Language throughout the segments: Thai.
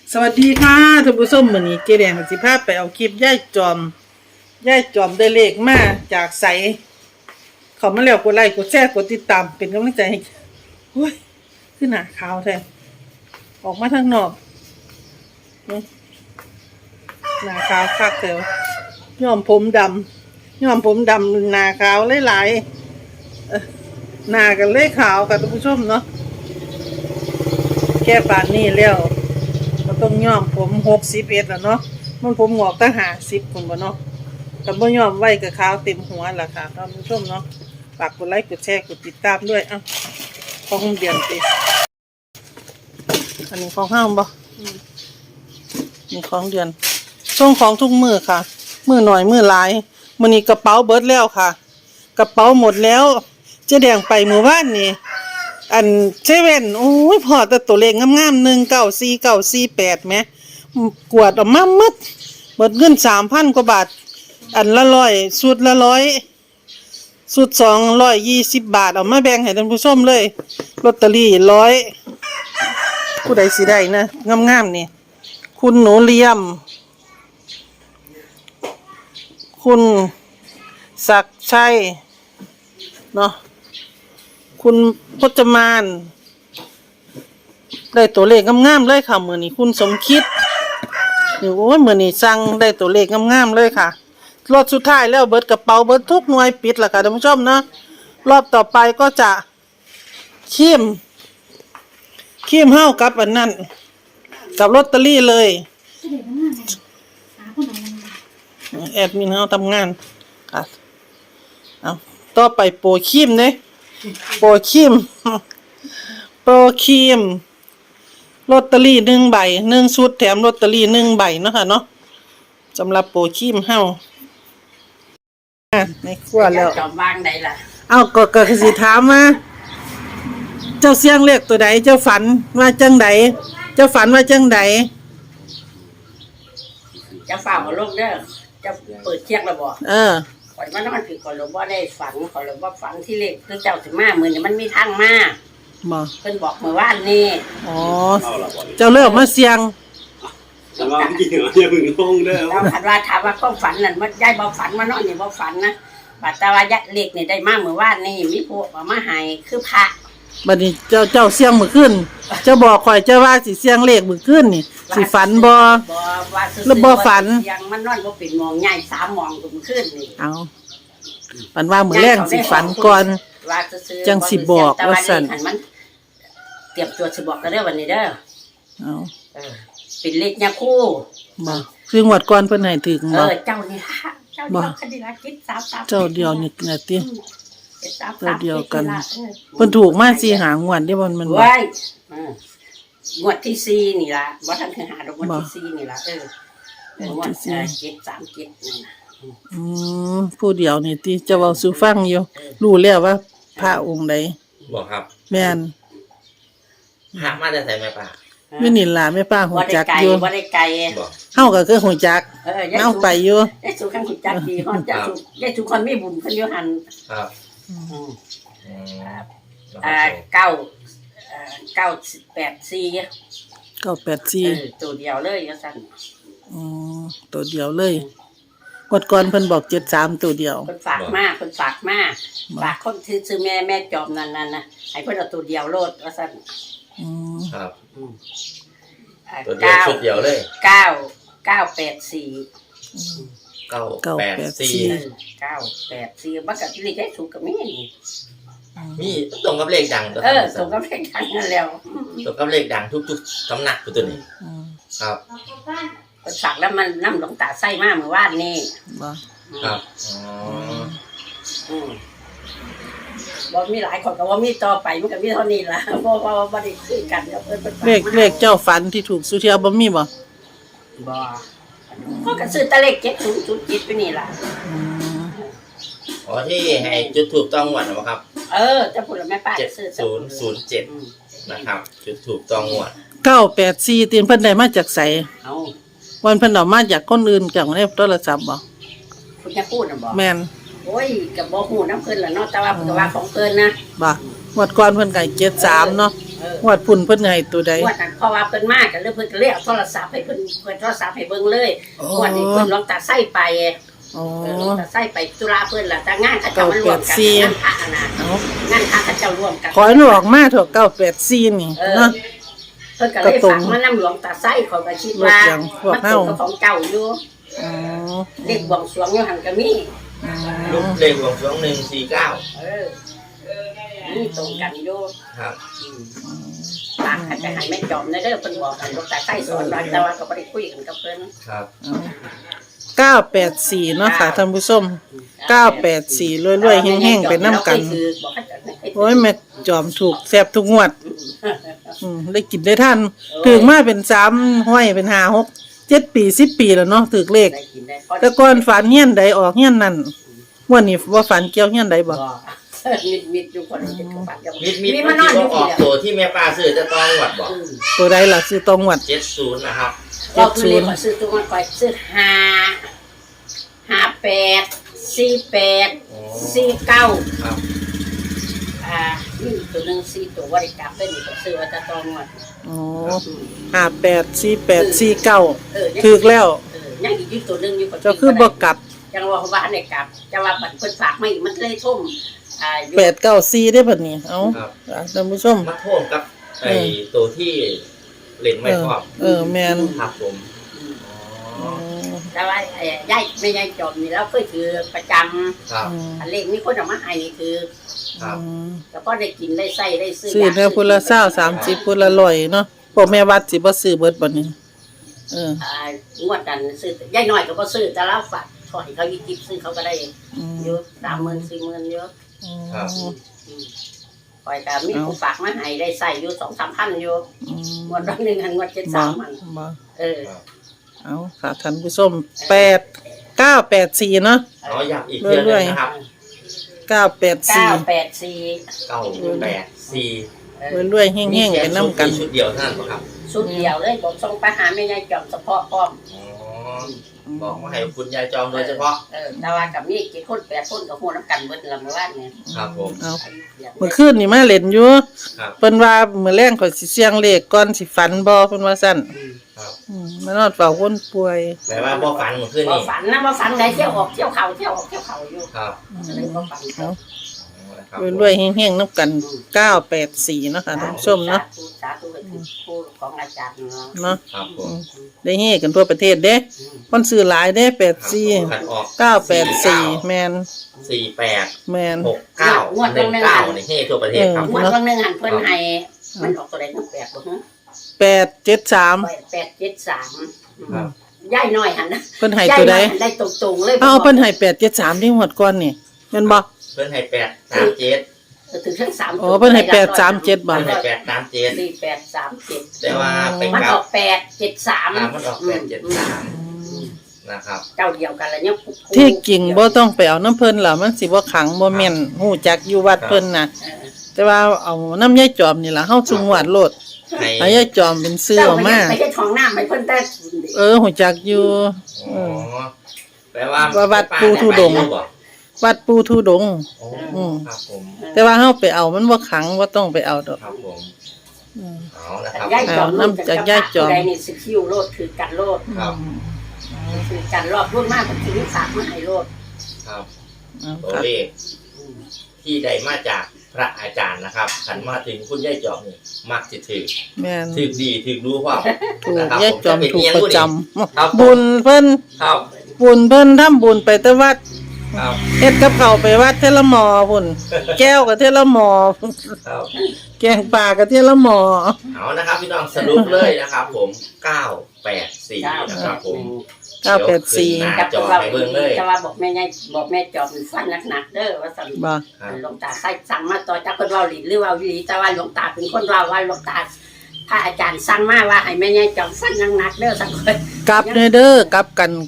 สวัสดีค่ะท่านผู้ชมมื้อนี้เจ๊แดงสิพาไปเอาคลิปยายจอมได้เลขมาจากไสเขามาแล้วกดไลค์กดแชร์กดติดตามเป็นกำลังใจให้โอ้ยคือหน้าขาวแท้ออกมาทางนอกหน้าขาวคักแถวย้อมผมดำหน้าขาวหลายๆหน้ากันเลยขาวค่ะท่านผู้ชมเนาะแก้ป่านนี้แล้วก็ต้องย้อมผม61แล้วเนาะมันผมงอกตั้ง50คนบ่เนาะแต่บ่ย้อมไว้ก็ขาวเต็มหัวล่ะค่ะท่านผู้ชมเนาะฝากกดไลค์กดแชร์กดติดตามด้วยของเดือนติอันนี้ของห้างบ่นี่ของเดือนส่งของทุกมื้อค่ะมื้อหน่อยมื้อหลายมื้อนี้กระเป๋าเบิดแล้วค่ะกระเป๋าหมดแล้วเจ๊แดงไปมื้อวานนี่อันเซเว่นโอ้ยพอแต่ตัวเลขงามๆ194948แหมกวดออกมาหมดเงิน 3,000 กว่าบาทอันละ100ชุดละ100ชุด220 บาทเอามาแบ่งให้ท่านผู้ชมเลยลอตเตอรี่100ผู้ใดสิได้นะงามๆนี่คุณหนูเลี่ยมคุณศักดิ์ชัยเนาะคุณพจมานได้ตัวเลขงามๆเลยค่ะมื้อนี้คุณสมคิดนี่โอ้ยมื้อนี้สั่งได้ตัวเลขงามๆเลยค่ะรอบสุดท้ายแล้วเบิดกระเป๋าเบิดทุกหน่วยปิดแล้วค่ะท่านผู้ชมเนาะรอบต่อไปก็จะคีมเฮากับอันนั้นกับลอตเตอรี่เลยแอดมินเฮาทำงานค่ะเอาต่อไปโปรคีมเด้โปรคีมลอตเตอรี่1ใบ1ชุดแถมลอตเตอรี่1ใบเนาะค่ะเนาะสำหรับโปรคีมเฮาในครัวแล้วจอมวางได้ล่ะเอาก็สิถามว่าเจ้าเสียงเลขตัวใดเจ้าฝันว่าจังใดจะฝ่ามาลงเด้อจะเปิดเชียงแล้วบ่ข่อยมานอนคือข่อยบ่ได้ฝันข่อยบ่ฝันที่เลขคือเจ้าสิมามื้อนี้มันมีทางมาบ่เพิ่นบอกเมื่อวานนี้อ๋อเจ้าเลิกมาเสียงแต่ว่าจริงๆอย่าพึ่งลงเด้อแล้วคันว่าถามว่าความฝันนั่นมันยายบ่ฝันมานอนนี่บ่ฝันนะบัดแต่ว่าเลขนี่ได้มาเมื่อวานนี้มีผู้เอามาให้คือพระบัดนี้เจ้าเสียงมื้อคืนเจ้าบอกข่อยเจ้าว่าสิเสียงเลขมื้อคืนนี่สิฝันบ่แล้วบ่ฝันยังมันนอนบ่เป็นหมองใหญ่3หม่องมื้อคืนนี่เอาปันว่ามื้อแรงสิฝันก่อนจังสิบอกว่าซั่นเตรียมตัวสิบอกกันเด้อวันนี้เด้อเอาเป็นเลขยาคู่บ่คืองวดก่อนเพิ่นให้ถึกบ่เจ้านี่ล่ะเจ้าเดียวคดีละคิด3 เจ้าเดียวนี่น่ะติเจ้าเดียวกันเพิ่นถูกมา4หางวดเด้บ่มันว้ายงวดที่4นี่ล่ะบ่ทันคือหาดอกงวดที่4นี่ล่ะงวด737นั่นน่ะผู้เดียวนี่ติจะเว้าสู่ฟังอยู่รู้แล้วว่าพระองค์ใดบ่ครับแม่นพระมาแต่ไสแม่ป้าอยู่นี่ล่ะแม่ป้าฮู้จักอยู่บ่ได้ไกลเฮาก็คือฮู้จักเฮาไปอยู่ยายสุคันฮู้จักดีฮอดจักยายสุคนมีบุญเพิ่นอยู่หั่นครับ 984ตัวเดียวเลยว่าซั่นตัวเดียวเลยกดก่อนเพิ่นบอก73ตัวเดียวเพิ่นฝากมาฝากคนชื่อแม่จอมนั่นน่ะให้เพิ่นเอาตัวเดียวโลดว่าซั่นครับตัวเดียวชุดเดียวเลย 984บักกับเลขได้ถูกกับมีตรงกับเลขดังตรงกับเลขดังนั่นแล้วตรงกับเลขดังทุกๆสำนักตัวนี้ครับคนสักแล้วมันน้ำหลงตาไส้มากเมื่อวานนี่ครับบ่มีหลายคนก็ว่ามีต่อไปมันก็มีเท่านี้ล่ะเพราะว่าบ่ได้คุยกันแล้วเพิ่นเลขเจ้าฝันที่ถูกสุเทียบ่มีบ่ก็ซื้อตะเลข707ไปนี่ล่ะที่ให้จุดถูกต้องงวดนะครับจะพูดแล้วแม่ป้าซื้อ 7007นะครับจุดถูกต้องงวด 984ตีนเพิ่นได้มาจากไสวันเพิ่นเอามาจากคนอื่นจังในโทรศัพท์บ่คุณจะพูดน่ะบ่แม่นโอ้ยก็บ่ฮู้นำเพิ่นล่ะเนาะแต่ว่าเพิ่นก็ว่าของเพิ่นนะบ่งวดก่อนเพิ่นก็73เนาะงวดพุ่นเพิ่นให้ตัวใดงวดนั้นเพราะว่าเพิ่นมากันเลยเพิ่นก็เลยเอาโทรศัพท์ให้เพิ่นโทรศัพท์ให้เบิ่งเลยงวดนี้เพิ่นลองตัดไส้ไปอ๋อลองตัดไส้ไปตุลาเพิ่นล่ะแต่งานเขาเจ้ามารวมกันงานพระนะเอางานพระเขาเจ้ารวมกันขอให้มันออกมาเถอะ984นี่เนาะเพิ่นก็เลยฝากมานำหลวงตาไส้เขาก็คิดว่ามันตรงกับของเจ้าอยู่อ๋อเด็กบวงสรวงอยู่หั่นก็มีลูกเลขของช่วง149 นี่ตรงกันอยู่ครับฝากให้แม่จอมเด้อเพิ่นบอกกันหลวงตาไส้สอนว่าแต่ว่าก็บ่ได้คุยกันกับเพิ่นครับ 984เนาะค่ะท่านผู้ชม984รวยๆแห้งๆไปนำกันโอ้ยแม่จอมถูกแซ่บทุกงวดได้กินได้ทันถึงมาเป็น3ห้อยเป็น5 6 7ปี10ปีแล้วเนาะถึกเลขแต่ก่อนฝันเฮียนใดออกเฮียนนั่นวันนี้บ่ฝันเกี่ยวเฮียนใดบ่มิดอยู่คนเดียวบัดมิดมานอนอยู่ออกตัวที่แม่ป้าซื้อจะต้องหวัดบอกตัวใดล่ะซื้อตองวัด 70นะครับเราคือเลยขอซื้อตัวมันก่อยซื้อ58 48 49 ครับนี่ตัวนึง4ตัวว่าได้กลับได้นี่ก็ซื้อว่าจะต้องหมดอ๋อ584849ถึกแล้วยังอีกอยู่ตัวนึงอยู่เจ้าคือบ่กลับจังว่าเขาว่าอันไหนกลับจังว่าบัดเพิ่นฝากมาอีกมันเลยท่มอยู่ 894ได้บัดนี้เอ้าท่านผู้ชมมาโทษกับไอ้ตัวที่เล่นไม่ชอบแม่นครับผมแต่ว่ายายไม่ยายจอมนี่แล้วเคยถือประจำครับอันเลขมีคนเอามาให้นี่คือครับก็พอได้กินได้ใส่ได้ซื้อซื้อแนวพุ่นละ20 30พุ่นละ100เนาะพวกแม่วัดสิบ่ซื้อเบิดบัดนี้งวดนั้นซื้อยายน้อยก็บ่ซื้อแต่เราฝากถอยเขายิบซื้อเขาก็ได้เยอะ30,000 40,000เยอะครับปล่อยก็มีผู้ฝากมาให้ได้ใส่อยู่ 2-3 พันอยู่งวดนึงหันงวด73มันบ่เอาค่ะท่านผู้ชม984เนาะเอาอยากอีกเดือนนึงนะครับ 984 984 รวยๆแห้งๆไปนำกันชุดเดียวเท่านั้นบ่ครับสุดเดียวเลยผมส่งไปหาแม่ยายจอมเฉพาะพร้อมบอกว่าให้คุณยายจอมโดยเฉพาะแต่ว่ากับมีกี่คน8 คนกับหัวน้ำกันเบิดละเมื่อวานเนี่ยครับผมเอาเมื่อคืนนี่มาเล่นอยู่ครับเพิ่นว่ามื้อแลงข่อยสิเสี่ยงเลขก่อนสิฝันบ่เพิ่นว่าซั่นครับมานอนเฝ้าคนป่วยแปลว่าบ่ฝันเมื่อคืนบ่นี้ฝันนะบ่ฝันได้เที่ยวออกเที่ยวเขาเที่ยวออกเที่ยวเขาอยู่ครับเลยบ่ฝันเอาครับรวยๆแห้งๆนำกัน984เนาะค่ะท่านผู้ชมเนาะสาธุเป็นผู้ของอาจารย์เนาะเนาะครับผมได้เฮกันทั่วประเทศเด้คนซื้อหลายเด้ขัดออก 84 984แม่น 48 แม่น 69 19นี่เฮ้ทั่วประเทศครับงวดเพิ่งนึงหันเพิ่นให้มันออกตัวใดทั้ง8บ่ฮะ 873 873 ครับยายน้อยหันนะเพิ่นให้ตัวใดได้ตรงๆเลยเอาเพิ่นให้873ที่หมดก่อนนี่แม่นบ่เพิ่นให้837 ถึงทั้ง3 อ๋อเพิ่นให้837บ่เพิ่นให้837 4837 แต่ว่าไปมันกลัอบ อก873 มันออก873นะครับเจ้าเดียวกันแล้วยังที่จริงบ่ต้องไปเอาน้ำเพิ่นล่ะมันสิบ่ขังบ่แม่นฮู้จักอยู่วัดเพิ่นน่ะแต่ว่าเอาน้ำยายจอมนี่ล่ะเฮาสุงวัดโลดให้ให้ยายจอมเป็นซื้อออกมาไม่ใช่ท้องน้ำไม่เพิ่นแต่ฮู้จักอยู่อ๋อแปลว่าวัดปูทุดงค์ วัดปูทุดงค์ครับผมแต่ว่าเฮาไปเอามันบ่ขังบ่ต้องไปเอาดอกครับผมเอานะครับยายจอมน้ำจากยายจอมใดนี่สิคิวโลดคือกันโลดครับคือกันรอบรุ่นมากเป็นชีวิตฝากมาให้โลดครับเอาตัวค่ะเลขที่ได้มาจากพระอาจารย์นะครับขันมาถึงคุณยายจอมนี่มักสิถือแม่นถือดีถือรู้ว่าถูกนะครับยายจอมถูกประจำครับบุญเพิ่นครับบุญเพิ่นทำบุญไปแต่วัดครับเฮ็ดกับข้าวไปวัดเทยละหมอพุ่นแก้วกับเทยละหมอครับแกงปลากับเทยละหมอเอานะครับพี่น้องสรุปเลยนะครับ ผม984นะครับผม 984 หน้าจอให้เบิ่งเลยจะว่าบอกแม่ยายบอกแม่จอมฟันหนักๆเด้อว่าสั่นบ่ครับหลวงตาใส่สั่งมาต่อจากคนเว้าหลีหรือว่าหลีแต่ว่าหลวงตาเป็นคนเว้าว่าหลวงตาพระอาจารย์สั่งมาว่าให้แม่ยายจอมฟันหนักๆเด้อสั่งคนกลับเด้อกลับกัน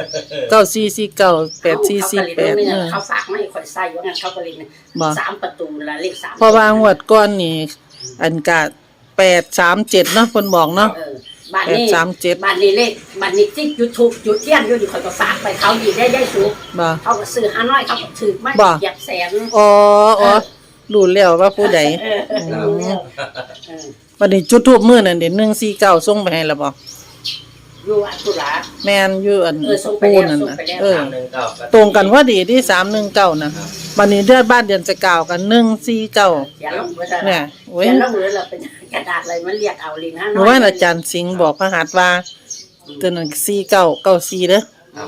9449 8448 เขาฝากไม่ค่อยใส่ว่างั้นเขาก็เลย3ประตูละเลข3 เพราะว่างวดก่อนนี่อันกะ837เนาะเพิ่นบอกเนาะบ้านนี้ 837 บ้านนี้เลขบ้านนี้ที่YouTube จุดเทียนอยู่เขาก็ฝากไปเขาอีกได้สุกบ่เขาก็ซื้อ5น้อยเขาก็ถือมาบ่เหยียบแสนอ๋อรู้แล้วว่าผู้ใดรู้แล้วเออวันนี้จุดทูปมื้อนั่นเด้149ส่งไปให้แล้วบ่อยู่อันตุลาแม่นอยู่อันส่งไปปูแล้วนั่นส่งน่ะไปแล้ว 319 ตรงกันว่าดีที่319น่ะบัดนี้เดือนบ้านเดือนจะกล่าวกัน149 อย่าลงมือเนี่ยโอ้ยอย่าลงมือเราเป็นกระดาษอะไรมันเรียกเอาลิงฮะเมื่อวานอาจารย์สิงห์บอกพระหัตถ์ว่าตัวนั้น4994เด้อครับ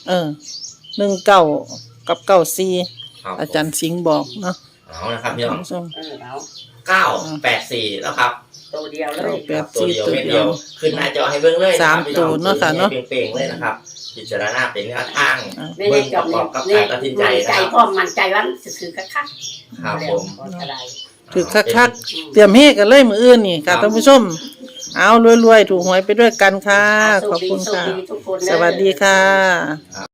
19กับ94 ครับอาจารย์สิงห์บอกเนาะเอานะครับพี่น้องผู้ชมเอา 984แล้วครับตัวเดียวเลยแปดตัวเดียวเม็ดเดียวขึ้นหน้าจอให้เบิ่งเลยสามตัวเนาะค่ะเนาะเป่งๆเลยนะครับพิจารณาเป็นแนวทางไม่เบิ่ได้งจประบกอบกับนี่การตัดสินใจใจนะครับพ่อมันใจวันสื่อๆคักครับผมกระไดถือคักๆเตรียมเฮกันเลยมื้ออื่นนี่ค่ะท่านผู้ชม เอารวยๆถูกหวยไปด้วยกันค่ะ ขอบคุณค่ะโชดีทุกคนสวัสดีค่ะ